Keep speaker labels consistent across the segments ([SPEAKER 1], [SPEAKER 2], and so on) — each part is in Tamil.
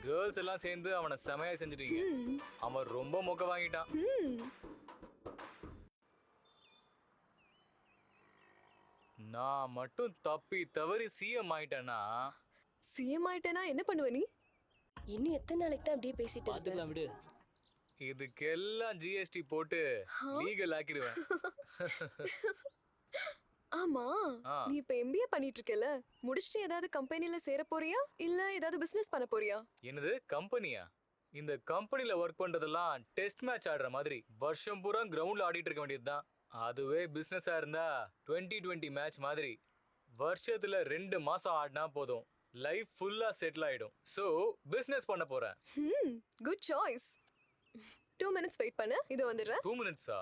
[SPEAKER 1] கேர்ள்ஸ் எல்லாம் சேர்ந்து அவனை செமையா செஞ்சுட்டீங்க. அவன் ரொம்ப மொக்க வாங்கிட்டான். நான் மட்டும் தப்பி தவறி சிஎம் ஆயிட்டேன்னா
[SPEAKER 2] சிஎம் ஆயிட்டேனா என்ன பண்ணுவ நீ?
[SPEAKER 3] இன்னும் எத்தனை நாளைக்கு தான் அப்படியே பேசிட்டு இருக்க?
[SPEAKER 4] பாத்துக்கலாம் விடு.
[SPEAKER 1] இதுக்கெல்லாம் ஜிஎஸ்டி போட்டு லீகல் ஆக்கிடுவேன்.
[SPEAKER 2] ஆமா, நீ இப்ப எம்பிஏ பண்ணிட்டு இருக்கல, முடிச்சிட்டு ஏதாவது கம்பெனில சேர போறியா இல்ல ஏதாவது பிசினஸ் பண்ண போறியா?
[SPEAKER 1] என்னது கம்பெனியா? இந்த கம்பெனில ஒர்க் பண்றதெல்லாம் டெஸ்ட் மேட்ச் ஆடுற மாதிரி வருஷம் பூரா கிரவுண்ட்ல ஆடிட்டு இருக்க வேண்டியதுதான். அதுவே பிசினஸா இருந்தா 2020 மேட்ச் மாதிரி வருஷத்துல 2 மாசம் ஆடினா போதும், லைஃப் ஃபுல்லா செட்டில் ஆயிடும். சோ பிசினஸ் பண்ண போறேன்.
[SPEAKER 2] Good choice. 2 minutes வெயிட் பண்ணு, இது வந்துடுறேன்.
[SPEAKER 1] 2 minutes-ஆ?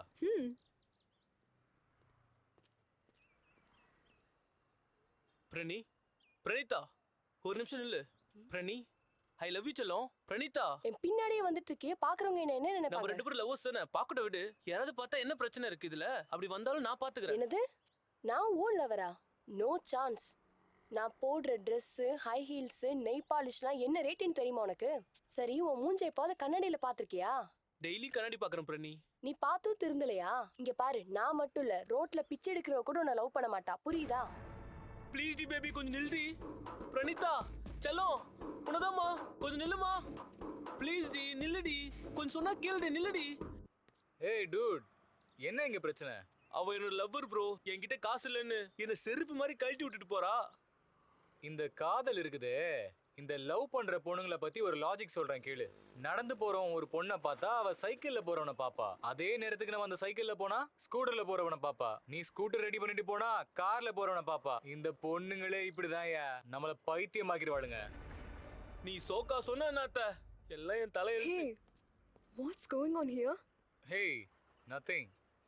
[SPEAKER 4] பிரணீதா ஒரு நிமிஷம் நில்லு. பிரணி, ஐ லவ் யூ செல்லம். பிரணீதா,
[SPEAKER 3] என் பின்னாடியே வந்துட்டு இருக்கியே, பாக்குறவங்க என்ன
[SPEAKER 4] நம்ம
[SPEAKER 3] நினைப்பாங்க?
[SPEAKER 4] 2 பேரும் லவ்வர்ஸ் தானே, பாக்கட்ட விடு. யாராவது பார்த்தா என்ன பிரச்சனை இருக்கு இதுல? அப்படி வந்தாலும் நான் பாத்துக்கிறேன்.
[SPEAKER 3] என்னது, நான் ஓன் லவரா? No chance. நான் போடுற ட்ரெஸ், ஹை ஹீல்ஸ், நெய் பாலிஷ்லாம் என்ன ரேட்டுன்னு தெரியுமா உனக்கு? சரி, உன் மூஞ்சை எப்பாவது கண்ணாடியில பாத்திருக்கியா?
[SPEAKER 4] டெய்லி கண்ணாடி பாக்குறேன் பிரணி.
[SPEAKER 3] நீ பார்த்தும் திருந்தலையா? இங்க பாரு, நான் மட்டும் இல்ல, ரோட்ல பிச்சை எடுக்கிறவ கூட உன்னை லவ் பண்ண மாட்டா, புரியுதா?
[SPEAKER 4] ப்ளீஸ் டி பேபி, கொஞ்சம் நில்லுடி. பிரணீதா செல்லம், உனதாம்மா, கொஞ்சம் நில்லுமா. ப்ளீஸ் டி, நில்லுடி. கொஞ்சம் சொன்னா கேளுடி, நில்லுடி.
[SPEAKER 1] ஏய் டூட், என்ன இங்க பிரச்சனை?
[SPEAKER 4] அவ என்னோட லவ்வர் ப்ரோ. என்கிட்ட காசு இல்லைன்னு என்ன செருப்பு மாதிரி கழட்டி விட்டுட்டு போறா.
[SPEAKER 1] இந்த காதல் இருக்குதே, இந்த லவ் பண்ற பொண்ணுங்களை பத்தி ஒரு லாஜிக் சொல்றேன் கேளு. நடந்து போறவன் ஒரு பொண்ணை பார்த்தா அவ சைக்கிள்ல போறவனை பாப்பா. அதே நேரத்துக்கு நம்ம அந்த சைக்கிள்ல போனா ஸ்கூட்டர்ல போறவனை பாப்பா. நீ ஸ்கூட்டர் ரெடி பண்ணிட்டு போனா கார்ல போறவனை பாப்பா. இந்த பொண்ணுங்களே இப்படிதான் நம்மள பைத்தியமாக்கிடுவாளுங்க.
[SPEAKER 4] நீ சோக்கா சொன்ன என்னத்த எல்லாம் என் தலையெழுத்து.
[SPEAKER 2] Hey, what's going on here?
[SPEAKER 1] Hey, nothing.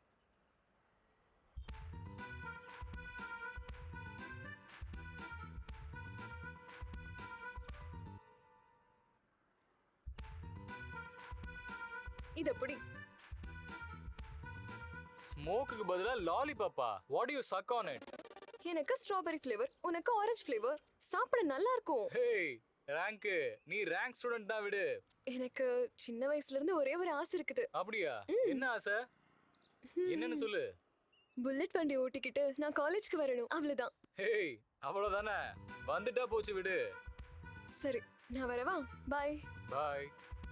[SPEAKER 2] இத புடி.
[SPEAKER 1] ஸ்மோக்குக்கு பதிலா லாலிபாப்பா. What do you suck on it?
[SPEAKER 2] எனக்கு ஸ்ட்ராபெரி ஃப்ளேவர், உனக்கு ஆரஞ்சு ஃப்ளேவர். சாப்பிட நல்லா இருக்கும்.
[SPEAKER 1] Hey, ரேங்க், நீ ரேங்க் ஸ்டூடண்ட் தான் விடு.
[SPEAKER 2] எனக்கு சின்ன வயசுல இருந்து ஒரே ஒரு ஆசை இருக்குது.
[SPEAKER 1] அப்படியா? என்ன ஆசை? என்னன்னு சொல்லு.
[SPEAKER 2] புல்லட் வண்டி ஓட்டிக்கிட்டு நான் காலேஜ்க்கு வரணும், அவ்வளவுதான்.
[SPEAKER 1] ஹேய், அவ்வளவுதானே? வந்துட்டா போச்சு விடு.
[SPEAKER 2] சரி, நான் வரவா? பாய்.
[SPEAKER 1] பாய்.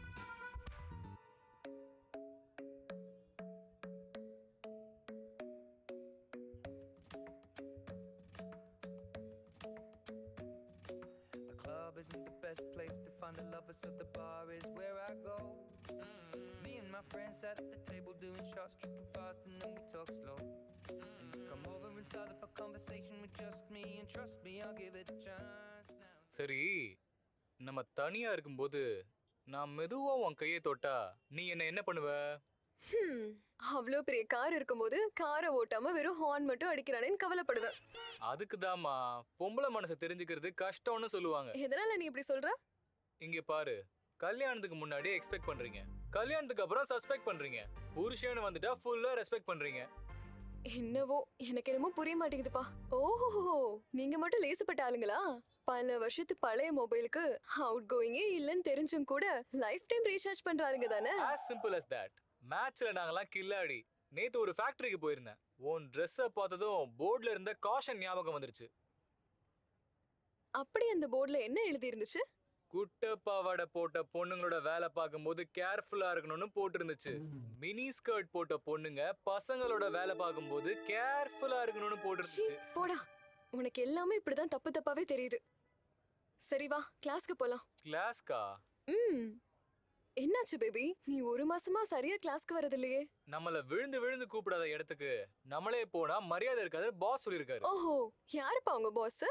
[SPEAKER 5] The club isn't the best place to find a lover, so the bar is where I go. Me and my friends at the table doing shots, tripping fast, and then we talk slow. And you come over and start up a conversation with just me, and trust me, I'll give it a chance now.
[SPEAKER 1] சரி, நம்ம தனியா இருக்கும்போது நான் மெதுவா உன் கையை தொட்டா நீ என்ன பண்ணுவ?
[SPEAKER 2] அவ்வளோ பெரிய கார் இருக்கும்போது காரை ஓட்டாம வெறும் ஹார்ன் மட்டும் அடிக்கிறானேன்னு கவலைப்படுவேன்.
[SPEAKER 1] அதுக்குதாம்மா பொம்பளை மனசை தெரிஞ்சுக்கிறது கஷ்டம்னு சொல்லுவாங்க.
[SPEAKER 2] எதனால நீ இப்படி சொல்ற?
[SPEAKER 1] இங்க பாரு, கல்யாணத்துக்கு முன்னாடி எக்ஸ்பெக்ட் பண்றீங்க, கல்யாணத்துக்கு அப்புறம் சஸ்பெக்ட் பண்றீங்க, புருஷன்னு வந்துட்டா ஃபுல்லா ரெஸ்பெக்ட் பண்றீங்க.
[SPEAKER 2] என்னவோ எனக்கு என்னமோ புரிய மாட்டேங்குதுப்பா. ஓஹோ, நீங்க மட்டும் லேசுப்பட்ட ஆளுங்களா? பல வருஷத்து பழைய மொபைலுக்கு அவுட் கோயிங்கே இல்லைன்னு தெரிஞ்சும் கூட லைஃப் டைம் ரீசார்ஜ் பண்ற ஆளுங்க தானே?
[SPEAKER 1] As simple as that. மேட்ச்ல நாங்கெல்லாம் கில்லாடி. நேத்து ஒரு ஃபேக்டரிக்கு போயிருந்தேன். உன் ட்ரெஸ்ஸை பார்த்ததும் போர்ட்ல இருந்த காஷன் ஞாபகம் வந்துருச்சு.
[SPEAKER 2] அப்படி அந்த போர்ட்ல என்ன எழுதி இருந்துச்சு?
[SPEAKER 1] குட்ட பாவாடை போட்ட பொண்ணுங்களோட வேலை பார்க்கும்போது கேர்ஃபுல்லா இருக்கணும்னு போட்டிருந்துச்சு. மினி ஸ்கர்ட் போட்ட பொண்ணுங்க பசங்களோட வேலை பார்க்கும்போது கேர்ஃபுல்லா இருக்கணும்னு போட்டிருந்துச்சு.
[SPEAKER 2] போடா, உனக்கு எல்லாமே இப்படிதான் தப்பு தப்பாவே தெரியுது. சரி வா, கிளாஸ்க்கு போலாம்.
[SPEAKER 1] கிளாஸ்கா?
[SPEAKER 2] என்னாச்சு பேபி, நீ ஒரு மாசமா சரியா கிளாஸ்க்கு வரதில்லையே?
[SPEAKER 1] நம்மள விழுந்து விழுந்து கூப்பிடாத இடத்துக்கு நம்மளே போனா மரியாதை இருக்காது, பாஸ் சொல்லிருக்காரு.
[SPEAKER 2] ஓஹோ, யாருப்பா உங்க பாஸ்?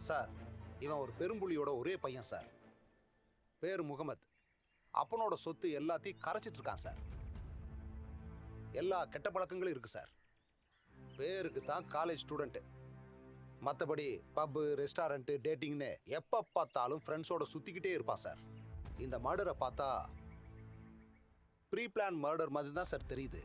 [SPEAKER 6] சார் இவன் ஒரு பெரும்புலியோட ஒரே பையன் சார். பேர் முகமது. அப்பனோட சொத்து எல்லாத்தையும் கரைச்சிட்டு இருக்கான் சார். எல்லா கெட்ட பழக்கங்களும் இருக்கு சார். பேருக்கு தான் காலேஜ் ஸ்டூடெண்ட்டு. மற்றபடி பப்பு, ரெஸ்டாரண்ட்டு, டேட்டிங்னு எப்போ பார்த்தாலும் ஃப்ரெண்ட்ஸோட சுற்றிக்கிட்டே இருப்பான் சார். இந்த மர்டரை பார்த்தா ப்ரீ பிளான் மர்டர் மாதிரி தான் சார் தெரியுது.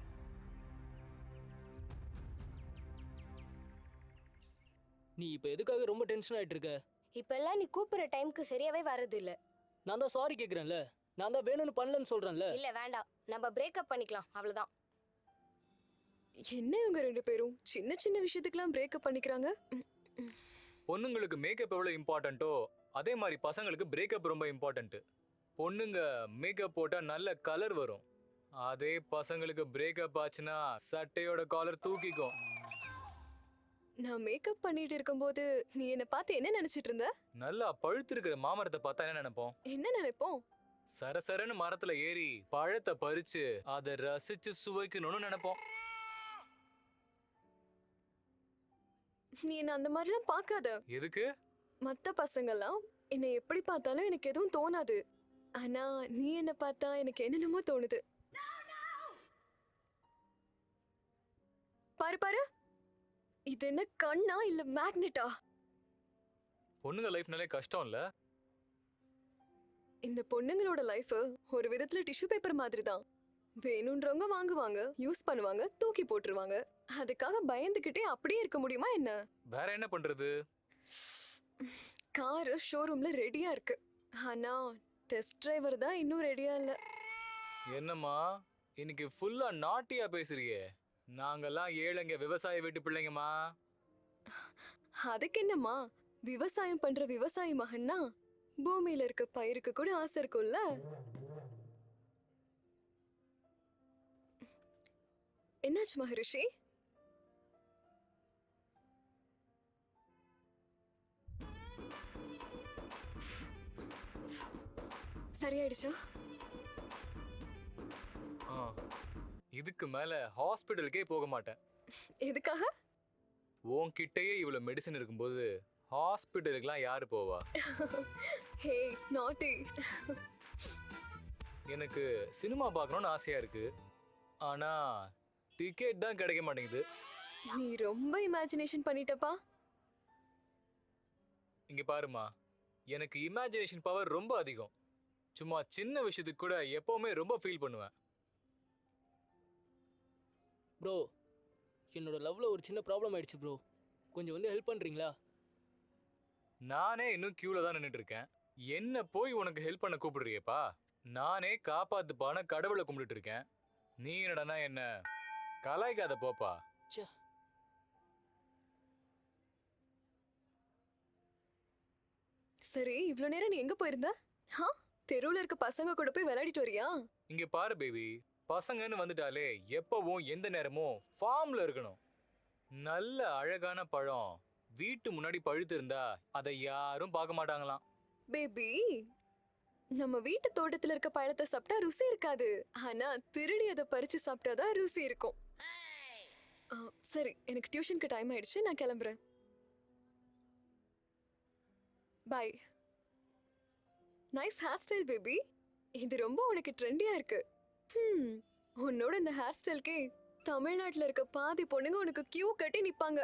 [SPEAKER 4] நீ இப்போ எதுக்காக ரொம்ப டென்ஷன் ஆயிட்டு இருக்க?
[SPEAKER 7] இப்பெல்லாம் நீ கூப்பிடுற டைம்க்கு சரியாவே வர்றது இல்ல.
[SPEAKER 4] நான் தான் சாரி கேக்குறேன்ல. நான் தான் வேணும்னு பண்ணலன்னு சொல்றேன்ல.
[SPEAKER 7] இல்ல வேண்டாம், நம்ம பிரேக்கப் பண்ணிக்கலாம், அவ்வளவுதான்.
[SPEAKER 2] என்ன இவங்க ரெண்டு பேரும் சின்ன சின்ன விஷயத்துக்கெல்லாம் பிரேக்கப் பண்ணிக்கிறாங்க?
[SPEAKER 1] பொண்ணுங்களுக்கு மேக்கப் எவ்வளவு இம்பார்ட்டன்ட்டோ அதே மாதிரி பசங்களுக்கு பிரேக்கப் ரொம்ப இம்பார்ட்டன்ட். பொண்ணுங்க மேக்கப் போட்டா நல்ல கலர் வரும். அதே பசங்களுக்கு பிரேக்கப் ஆச்சுன்னா சட்டையோட காலர் தூக்கிக்கும்.
[SPEAKER 2] நான் மேக்கப் பண்ணிட்டு இருக்கும்போது நீ என்ன பார்த்து என்ன நினைச்சிட்டு இருந்த?
[SPEAKER 1] நல்லா பழுத்து இருக்கிற மாமரத்தை பார்த்தா என்ன நினைப்போம்?
[SPEAKER 2] என்ன நினைப்போம்?
[SPEAKER 1] சரசரன்னு மரத்துல ஏறி பழத்தை பறிச்சு அதை ரசிச்சு சுவைக்கணும்னு நினைப்போம்.
[SPEAKER 2] நீ என்ன அந்த மாதிரிலாம் பார்க்காத.
[SPEAKER 1] எதுக்கு?
[SPEAKER 2] மத்த பசங்கெல்லாம் என்னை எப்படி பார்த்தாலும் எனக்கு எதுவும் தோணாது. ஆனா நீ என்ன பார்த்தா எனக்கு என்னென்னமோ தோணுது. பாரு பாரு, இது என்ன கண்ணா இல்ல மேக்னெட்டா?
[SPEAKER 1] பொண்ணுங்க லைஃப்னாலே கஷ்டம் இல்ல?
[SPEAKER 2] இந்த பொண்ணுங்களோட லைஃப் ஒரு விதத்துல டிஷ்யூ பேப்பர் மாதிரி தான். வேணும்ன்றவங்க வாங்குவாங்க, யூஸ் பண்ணுவாங்க, தூக்கி போட்டுருவாங்க. அதுக்காக பயந்துகிட்டே அப்படியே இருக்க முடியுமா என்ன?
[SPEAKER 1] வேற என்ன பண்றது?
[SPEAKER 2] கார் ஷோரூம்ல ரெடியா இருக்கு. ஆனா டெஸ்ட் டிரைவர் தான் இன்னும் ரெடியா இல்ல.
[SPEAKER 1] என்னம்மா இன்னைக்கு ஃபுல்லா நாட்டியா பேசுறியே? நாங்கெல்லாம் ஏழைங்க, விவசாய வீட்டு பிள்ளைங்கம்மா.
[SPEAKER 2] அதுக்கு என்னம்மா, விவசாயம் பண்ற விவசாயி மகன்னா பூமியில இருக்க பயிருக்கு கூட ஆசை இருக்கும்ல. என்னாச்சு மகரிஷி? சரியாயிடுச்சா?
[SPEAKER 1] ஆ, இதுக்கு மேல ஹாஸ்பிட்டலுக்கே போக மாட்டேன்.
[SPEAKER 2] எதுக்காக?
[SPEAKER 1] உன்கிட்டயே இவ்வளவு மெடிசன் இருக்கும்போது ஹாஸ்பிட்டலுக்குலாம் யாரு போவா?
[SPEAKER 2] ஹே நாட்டி.
[SPEAKER 1] எனக்கு சினிமா பார்க்கணும்னு ஆசையா இருக்கு. ஆனா டிக்கெட் தான் கிடைக்க மாட்டேங்குது.
[SPEAKER 2] நீ ரொம்ப இமேஜினேஷன் பண்ணிட்டப்பா.
[SPEAKER 1] இங்க பாருமா, எனக்கு இமேஜினேஷன் பவர் ரொம்ப அதிகம். சும்மா சின்ன விஷயத்துக்கு கூட எப்பவுமே ரொம்ப ஃபீல் பண்ணுவேன்.
[SPEAKER 4] ப்ரோ, என்னோட லவ்ல ஒரு சின்ன ப்ராப்ளம் ஆயிடுச்சு ப்ரோ. கொஞ்சம் வந்து ஹெல்ப் பண்றீங்களா?
[SPEAKER 1] நானே இன்னும் கியூல தான் நின்னுட்டு இருக்கேன். என்ன போய் உனக்கு ஹெல்ப் பண்ண கூப்பிடுறியேப்பா? நானே காப்பாத்துப்பான கடவுளை கும்பிட்டுட்டு இருக்கேன். நீ என்னடனா என்ன கலாய்க்காத போப்பா.
[SPEAKER 4] ச்சே.
[SPEAKER 2] சரி, இவ்ளோ நேரம் நீ எங்க போயிருந்த? தெருவுல இருக்க பசங்க கூட போய் விளையாடிட்டு வரியா?
[SPEAKER 1] இங்க பாரு பேபி, பசங்கன்னு வந்துட்டாலே எப்பவும் எந்த நேரமும் ஃபார்ம்ல இருக்கணும். நல்ல அழகான பழம் வீட்டு முன்னாடி பழுத்து இருந்தா அதை யாரும் பார்க்க மாட்டாங்களாம்.
[SPEAKER 2] பேபி, நம்ம வீட்டு தோட்டத்துல இருக்க பழத்தை சாப்பிட்டா ருசி இருக்காது. ஆனா திருடி அதை பறிச்சு சாப்பிட்டாதான் ருசி இருக்கும். சரி, எனக்கு டியூஷனுக்கு டைம் ஆயிடுச்சு, நான் கிளம்புறேன். Bye. Nice hair style baby. இது ரொம்ப உனக்கு ட்ரெண்டியா இருக்கு. உன்னோட இந்த ஹேர் ஸ்டைல்க்கே தமிழ்நாட்டுல இருக்க பாதி பொண்ணுங்க உனக்கு கியூ கட்டி நிப்பாங்க.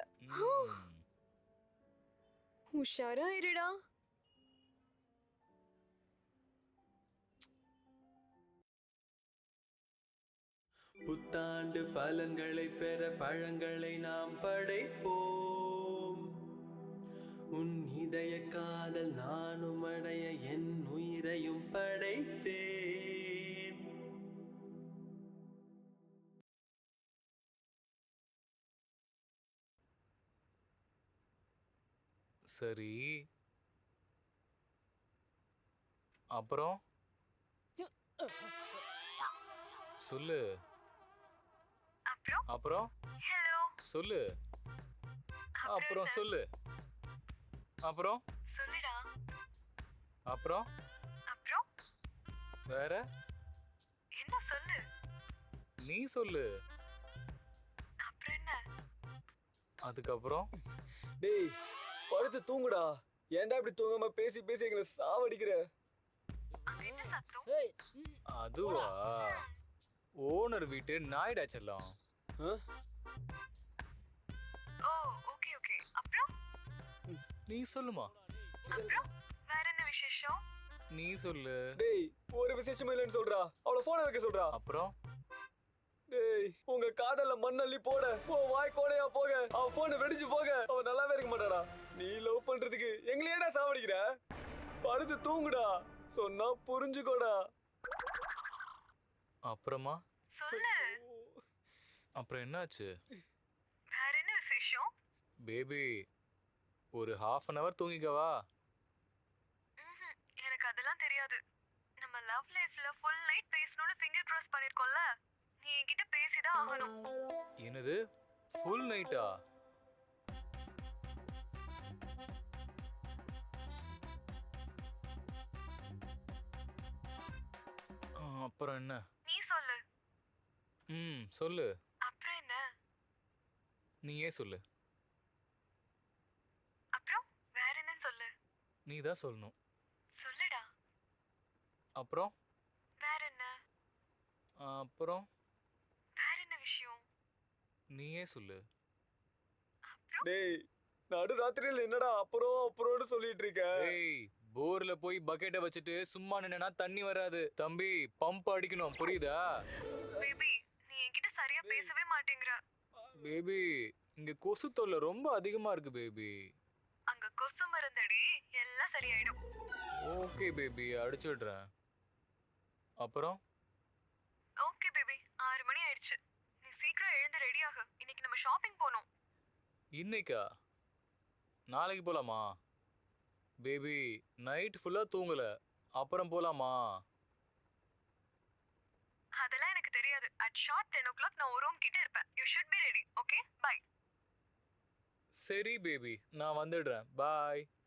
[SPEAKER 2] உஷாரா இருடா.
[SPEAKER 8] புத்தாண்டு பலன்களை பெற பழங்களை நாம் படைப்போம். உன் இதய காதல் நானும் அடைய என் உயிரையும் படைத்தேன்.
[SPEAKER 1] சரி, அப்புறம் சொல்லு. அப்புறம் சொல்லு. அப்புறம் சொல்லு. அப்புறம் அப்புறம் வேற
[SPEAKER 2] என்ன சொல்லு?
[SPEAKER 1] நீ சொல்லு. அதுக்கப்புறம்
[SPEAKER 4] டேய், படுத்து தூங்குடா.
[SPEAKER 9] ஏன்டா இப்படி தூங்காம பேசி பேசி எங்களை சாவடிக்கிற?
[SPEAKER 1] அதுவா ஓனர் வீட்டு நாய்டா செல்லம்.
[SPEAKER 9] ஆ?
[SPEAKER 2] Oh okay okay. அப்புறம்
[SPEAKER 1] நீ சொல்லுமா,
[SPEAKER 2] வேற என்ன விசேஷம்?
[SPEAKER 1] நீ சொல்லு.
[SPEAKER 9] டேய் ஒரு விசேஷமும் இல்லைன்னு சொல்றா. அவளை போனை வைக்க சொல்றா.
[SPEAKER 1] அப்புறம்
[SPEAKER 9] டேய் உங்க காதல்ல மண்ணள்ளி போட உன் வாய் கோடையா போக அவ போனை வெடிச்சு போக அவ நல்லாவே இருக்க மாட்டாடா. நீ லவ் பண்றதுக்கு எங்களையேடா சாவடிக்கிற? படுத்து தூங்குடா, சொன்னா புரிஞ்சுக்கோடா.
[SPEAKER 1] அப்புறமா
[SPEAKER 2] சொல்லு.
[SPEAKER 1] அப்புறம் என்னாச்சு
[SPEAKER 2] வேற என்ன விசேஷம்?
[SPEAKER 1] பேபி? ஒரு half அன் hour தூங்கிக்கவா?
[SPEAKER 2] எனக்கு அதெல்லாம் தெரியாது. நம்ம லவ் லைஃப்ல ஃபுல் நைட் பேசணும்னு ஃபிங்கர் கிராஸ் பண்ணிருக்கோம்ல, நீ என்கிட்ட பேசிதான் ஆகணும்.
[SPEAKER 1] என்னது ஃபுல் நைட்டா? அப்புறம் என்ன?
[SPEAKER 2] நீ சொல்லு.
[SPEAKER 1] சொல்லு.
[SPEAKER 2] அப்புறம் என்ன?
[SPEAKER 1] நீயே சொல்லு.
[SPEAKER 2] அப்புறம் வேற என்னன்னு சொல்லு.
[SPEAKER 1] நீ தான் சொல்லணும்.
[SPEAKER 2] சொல்லுடா.
[SPEAKER 1] அப்புறம்
[SPEAKER 2] வேற என்ன?
[SPEAKER 1] அப்புறம்
[SPEAKER 2] வேற என்ன விஷயம்?
[SPEAKER 1] நீயே சொல்லு.
[SPEAKER 9] டேய் நடு ராத்திரியில என்னடா அப்புறம் அப்புறம்னு சொல்லிட்டு இருக்க?
[SPEAKER 1] ஏய், போர்ல போய் பக்கெட்டை வச்சுட்டு சும்மா நின்னா தண்ணி வராது தம்பி, பம்ப் அடிக்கணும், புரியுதா?
[SPEAKER 2] பேபி, நீ என்கிட்ட சரியா பேசவே மாட்டேங்கற.
[SPEAKER 1] பேபி, இங்க கொசு தொல்லை ரொம்ப அதிகமா இருக்கு பேபி.
[SPEAKER 2] அங்க கொசு மருந்தடி, எல்லாம் சரியாயிடும்.
[SPEAKER 1] ஓகே பேபி, அடிச்சு விடுறேன். அப்புறம்
[SPEAKER 2] ஓகே பேபி, 6 மணி ஆயிடுச்சு. நீ சீக்கிரம் எழுந்து ரெடி ஆகு. இன்னைக்கு நம்ம ஷாப்பிங் போணும்.
[SPEAKER 1] இன்னைக்கா? நாளைக்கு போலாமா? பேபி, நைட் ஃபுல்லா தூங்கல, அப்புறம் போலாமா?
[SPEAKER 2] அதெல்லாம் எனக்கு தெரியாது. at sharp 10 o'clock நான் ஒரு ரூம் கிட்ட இருப்பேன். you should be ready. okay bye.
[SPEAKER 1] சரி பேபி, நான் வந்துடுறேன். பாய்.